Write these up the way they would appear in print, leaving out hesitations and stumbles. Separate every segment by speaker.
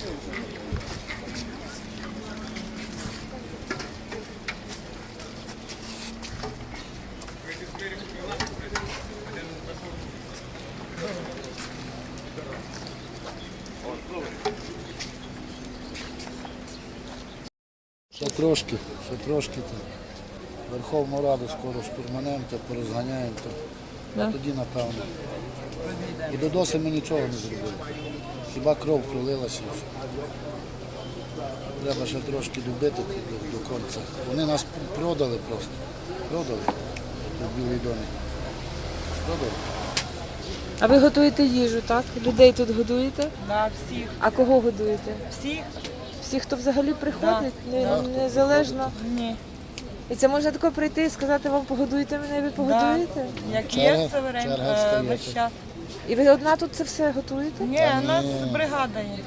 Speaker 1: Ще трошки там. Верховну Раду скоро штурманемо, то порозганяємо, то тоді напевно. І до доси ми нічого не зробили. Хіба кров пролилася. Треба ще трошки добити до кінця. Вони нас продали просто. Продали у Білий домик. Продали.
Speaker 2: А ви готуєте їжу, так? Людей тут годуєте?
Speaker 3: Да, всіх.
Speaker 2: А кого годуєте?
Speaker 3: Всіх?
Speaker 2: Всі, хто взагалі приходить,
Speaker 3: Да.
Speaker 2: незалежно.
Speaker 3: Ні.
Speaker 2: І це можна тако прийти і сказати, вам погодуйте мене, і ви погодуєте?
Speaker 3: Як
Speaker 1: Черга-
Speaker 3: є, це время
Speaker 1: черга стоїть.
Speaker 3: весь час.
Speaker 2: І ви одна тут це все готуєте?
Speaker 3: Ні, у нас бригада є.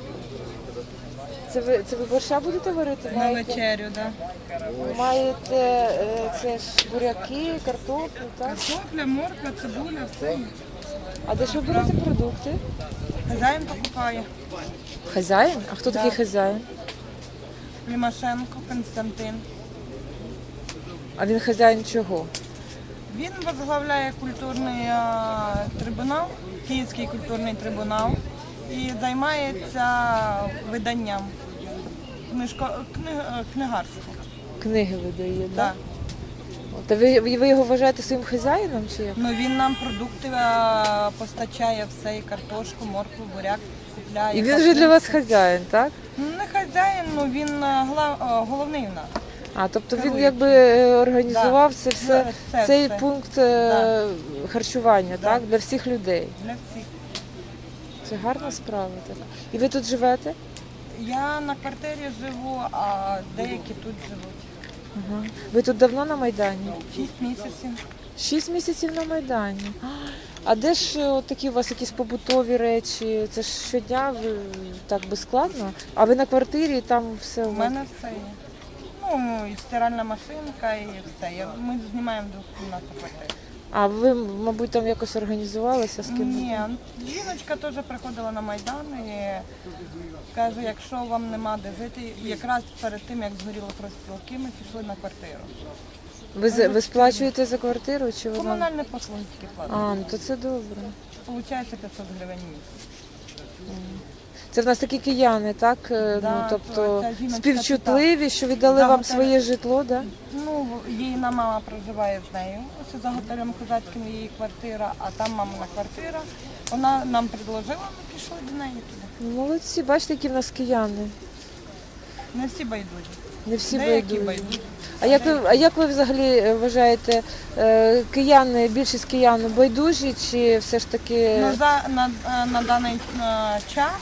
Speaker 2: Це ви борща будете варити?
Speaker 3: На
Speaker 2: Маєте,
Speaker 3: вечерю, да.
Speaker 2: маєте це ж буряки, картоплю, так?
Speaker 3: Картопля, морква, цибуля, все.
Speaker 2: А де ж ви берете продукти?
Speaker 3: Хазяїн покупає.
Speaker 2: Хазяїн? А хто такий хазяїн?
Speaker 3: Лімашенко Константин.
Speaker 2: А він хазяїн чого?
Speaker 3: Він возглавляє культурний трибунал, Київський культурний трибунал, і займається виданням, книгарством.
Speaker 2: Книги видає,
Speaker 3: Да.
Speaker 2: так? Та ви його вважаєте своїм хазяїном чи як?
Speaker 3: Ну, він нам продукти постачає все, і картошку, моркву, буряк купляє.
Speaker 2: І він вже для вас хазяїн, так?
Speaker 3: Ну, не хазяїн, ну він головний в нас.
Speaker 2: А, тобто він
Speaker 3: Керуючий.
Speaker 2: якби організував це все,
Speaker 3: Це
Speaker 2: цей
Speaker 3: все.
Speaker 2: пункт
Speaker 3: Да.
Speaker 2: харчування,
Speaker 3: Да.
Speaker 2: так? Для всіх людей.
Speaker 3: Для всіх.
Speaker 2: Це гарна справа. Так. І ви тут живете?
Speaker 3: Я на квартирі живу, а деякі тут живуть.
Speaker 2: Ага. Ви тут давно на Майдані?
Speaker 3: 6 місяців.
Speaker 2: 6 місяців на Майдані. А де ж от такі у вас якісь побутові речі? Це ж щодня так безскладно? А ви на квартирі і там все
Speaker 3: У
Speaker 2: у вас?
Speaker 3: мене все є. Ну, і стиральна машинка, і все. Ми знімаємо двохкімнатну квартиру.
Speaker 2: А ви, мабуть, там якось організувалися з ким?
Speaker 3: Ні, жіночка теж приходила на Майдан і каже, якщо вам нема де жити, і якраз перед тим, як згоріли профспілки, ми пішли на квартиру.
Speaker 2: Ви сплачуєте за квартиру чи вона?
Speaker 3: Комунальні послуги тільки платять.
Speaker 2: А, ну то це добре.
Speaker 3: Получається 500 гривень в місяць.
Speaker 2: Це в нас такі кияни, так?
Speaker 3: Да,
Speaker 2: Тобто
Speaker 3: ця жіночка
Speaker 2: співчутливі, що віддали
Speaker 3: За
Speaker 2: вам
Speaker 3: готель.
Speaker 2: своє житло, так?
Speaker 3: Ну, її мама проживає з нею. Ось за готелем козацьким її квартира, а там мамина квартира. Вона нам предложила, ми пішли до неї туди.
Speaker 2: Ну, молодці, бачите, які в нас кияни.
Speaker 3: Не всі байдужі.
Speaker 2: Не всі
Speaker 3: Деякі
Speaker 2: байдужі.
Speaker 3: байдужі.
Speaker 2: А як ви взагалі вважаєте, кияни, більшість киян байдужі чи все ж таки?
Speaker 3: Ну, на даний час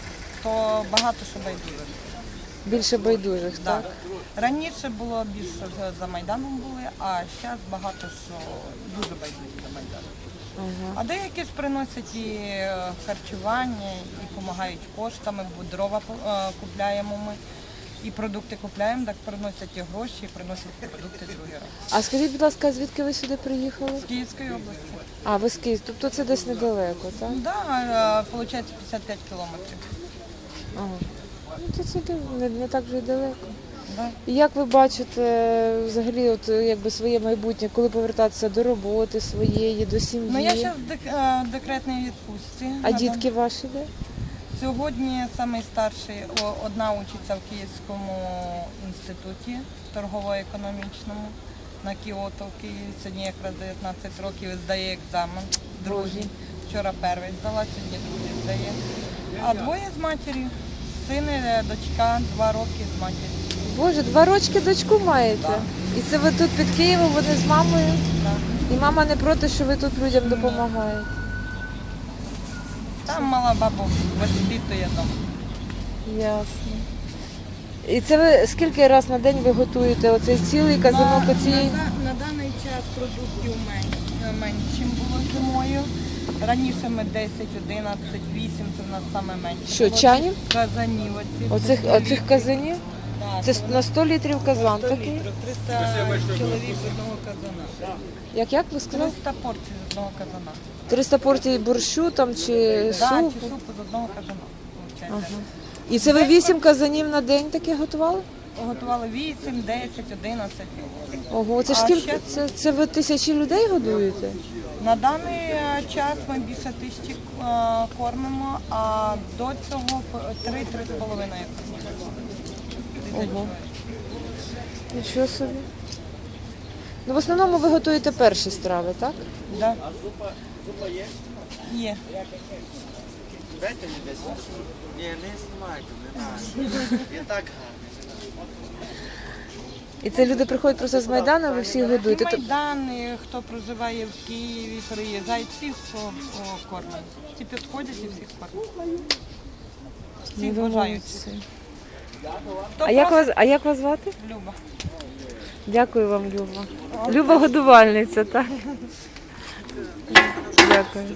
Speaker 3: то багато що байдужих.
Speaker 2: Більше байдужих,
Speaker 3: Да.
Speaker 2: так?
Speaker 3: Раніше було більше за Майданом були, а зараз багато що дуже байдужі за Майданом.
Speaker 2: Ага.
Speaker 3: А деякі ж приносять і харчування, і допомагають коштами, бо дрова купляємо ми, і продукти купляємо, так приносять і гроші, і приносять продукти другий раз.
Speaker 2: А скажіть, будь ласка, звідки ви сюди приїхали?
Speaker 3: З Київської області.
Speaker 2: А, ви з Києва, тобто це десь недалеко, так?
Speaker 3: Так, виходить 55 кілометрів.
Speaker 2: Ага. Ну, то це не так вже й далеко.
Speaker 3: Да.
Speaker 2: І як ви бачите взагалі от, якби своє майбутнє, коли повертатися до роботи своєї, до сім'ї?
Speaker 3: Ну, я зараз в декретній відпустці.
Speaker 2: А дітки ваші де?
Speaker 3: Сьогодні найстарший, одна учиться в Київському інституті торгово-економічному на Кіото в Києві. Сьогодні якраз 19 років і здає екзамен. Другий. Вчора перший здала, сьогодні другий здає. А двоє з матір'ю. Син і дочка, 2 роки з матір'ю.
Speaker 2: Боже, 2 рочки дочку маєте?
Speaker 3: Так.
Speaker 2: І це ви тут під Києвом, вони з мамою?
Speaker 3: Так.
Speaker 2: І мама не проти, що ви тут людям допомагаєте?
Speaker 3: Там мала бабу воспитує дома.
Speaker 2: Ясно. І це ви скільки раз на день ви готуєте оцей цілий казанок оцієї?
Speaker 3: На даний час продуктів менше, ніж було зимою. Раніше ми 10, 11, 8, це в нас саме менше.
Speaker 2: Що,
Speaker 3: було.
Speaker 2: чанів?
Speaker 3: Казанів оці.
Speaker 2: Оцих казанів?
Speaker 3: Так,
Speaker 2: Це на 100 літрів казан
Speaker 3: 100
Speaker 2: такий?
Speaker 3: літрів, 300 чоловік з одного казана.
Speaker 2: Як ви сказали?
Speaker 3: 300 порцій з одного казана.
Speaker 2: 300 порцій борщу там чи
Speaker 3: Да,
Speaker 2: супу?
Speaker 3: чи супу з одного казана.
Speaker 2: Ага. І це ви 8 казанів на день таке готували?
Speaker 3: Готували 8, 10, 11.
Speaker 2: Ого, це ж
Speaker 3: А
Speaker 2: скільки?
Speaker 3: ще-
Speaker 2: Це ви тисячі людей годуєте?
Speaker 3: На даний час ми більше 1000 кормимо, а до цього 3-3,5.
Speaker 2: Ого. Нічого собі. Ну, в основному ви готуєте перші страви, так?
Speaker 3: Да. Є.
Speaker 4: Дайте мені 10 штук. Ні, не знімайте, не треба. І так
Speaker 2: І це люди приходять просто з Майдану, ви всіх
Speaker 3: І
Speaker 2: годуєте.
Speaker 3: Майдан, і хто проживає в Києві, приїжджають, всіх кормять. Всі підходять і всіх кормять. Всіх
Speaker 2: Ну, ви
Speaker 3: бажають.
Speaker 2: молодці.
Speaker 3: Хто
Speaker 2: А як вас звати?
Speaker 3: Люба.
Speaker 2: Дякую вам, Люба. Люба годувальниця, так? Дякую.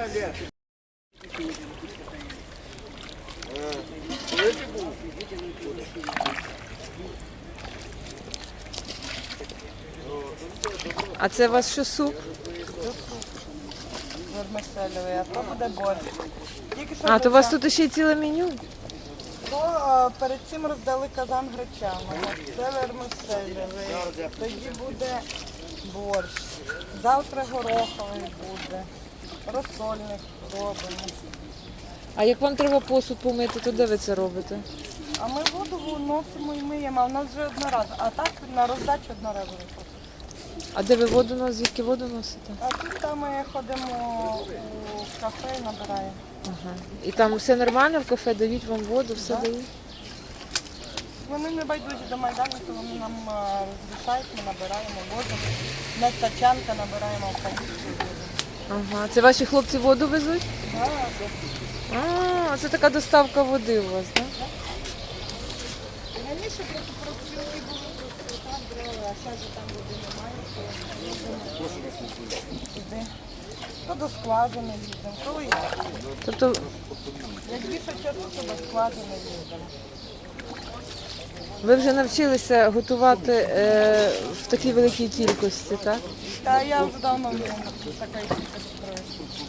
Speaker 2: А це у вас що, суп?
Speaker 3: Вермиселевий, а то буде борщ. Тільки що
Speaker 2: А, то у вас
Speaker 3: греча-
Speaker 2: тут ще й ціле меню?
Speaker 3: То, перед цим роздали казан гречаного. Це вермиселевий. Тоді буде борщ. Завтра гороховий буде. Розсольник робимо.
Speaker 2: А як вам треба посуд помити, то де ви це робите?
Speaker 3: А ми воду носимо і миємо, а в нас вже одноразово. А так на роздачу одноразово.
Speaker 2: А де ви воду носите? Звідки воду носите?
Speaker 3: А тут там ми ходимо у кафе і набираємо.
Speaker 2: Ага. І там все нормально в кафе, дають вам воду, все
Speaker 3: Да.
Speaker 2: дають?
Speaker 3: Вони не байдужі до Майдану, то вони нам розрішають, ми набираємо воду. На тачанка набираємо українську воду.
Speaker 2: Ага. Це ваші хлопці воду везуть?
Speaker 3: Да.
Speaker 2: А, це така доставка води у вас, так?
Speaker 3: Раніше просто профспілки були, просто там брали, а зараз там води немає, то іди. То до складу не їздимо, коли як.
Speaker 2: Тобто
Speaker 3: Як більше часу, то до складу не їздимо.
Speaker 2: ви вже навчилися готувати в такій великій кількості, так?
Speaker 3: Та я вже давно вмію такої кількості провести.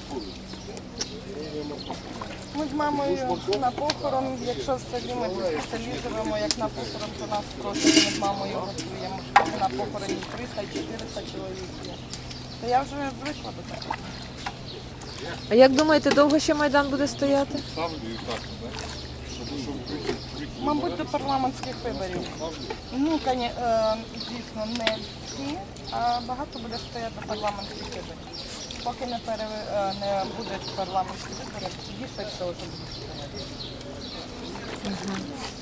Speaker 3: Ми з мамою на похорон, якщо в селі ми спеціалізуємо, як на похорон, то нас просять, ми з мамою готуємо. На похороні 300-400 чоловік є. То я вже звикла до того.
Speaker 2: А як думаєте, довго ще Майдан буде стояти?
Speaker 3: Мабуть, до парламентських виборів. Ну, звісно, не всі, а багато буде стояти до парламентських виборів. Поки не будуть парламентські вибори, тоді ще все вже буде стояти.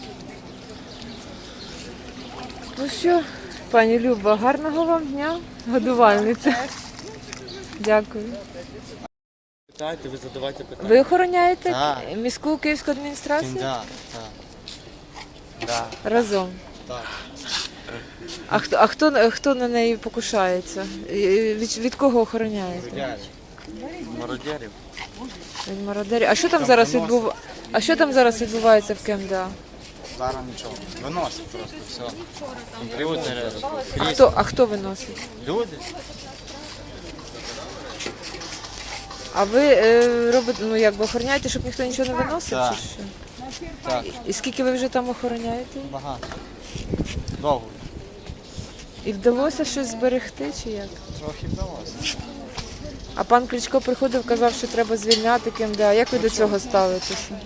Speaker 2: Ну що, пані Люба, гарного вам дня, годувальниця. Дякую.
Speaker 4: питайте, ви задавайте питання.
Speaker 2: Ви охороняєте
Speaker 4: Так.
Speaker 2: міську київську адміністрацію?
Speaker 4: Да, так.
Speaker 2: Разом.
Speaker 4: Так.
Speaker 2: А хто на неї покушається? Від кого охороняєте?
Speaker 4: Мародерів. Мародерів.
Speaker 2: Від мародерів. А що там зараз відбувається в КМДА?
Speaker 4: Зараз нічого. Виносять просто все. Люди.
Speaker 2: А хто виносить?
Speaker 4: Люди.
Speaker 2: А ви робите, ну якби охороняєте, щоб ніхто нічого не виносив?
Speaker 4: Так.
Speaker 2: Чи що?
Speaker 4: Так,
Speaker 2: І скільки ви вже там охороняєте?
Speaker 4: багато. Довго.
Speaker 2: І вдалося щось зберегти чи як?
Speaker 4: Трохи вдалося.
Speaker 2: А пан Кличко приходив, казав, що треба звільняти КМДА. Як ви до цього ставитеся?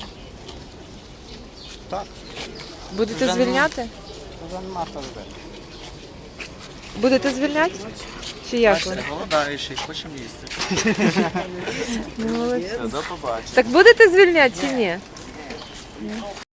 Speaker 4: Так.
Speaker 2: Будете
Speaker 4: Вже
Speaker 2: звільняти?
Speaker 4: Вже нема хто робити.
Speaker 2: Будете звільняти? Чи як ви?
Speaker 4: Бачите, голодаючий, хочемо їсти.
Speaker 2: Ну, молодці.
Speaker 4: Все, до побачення.
Speaker 2: Так будете звільняти чи ні?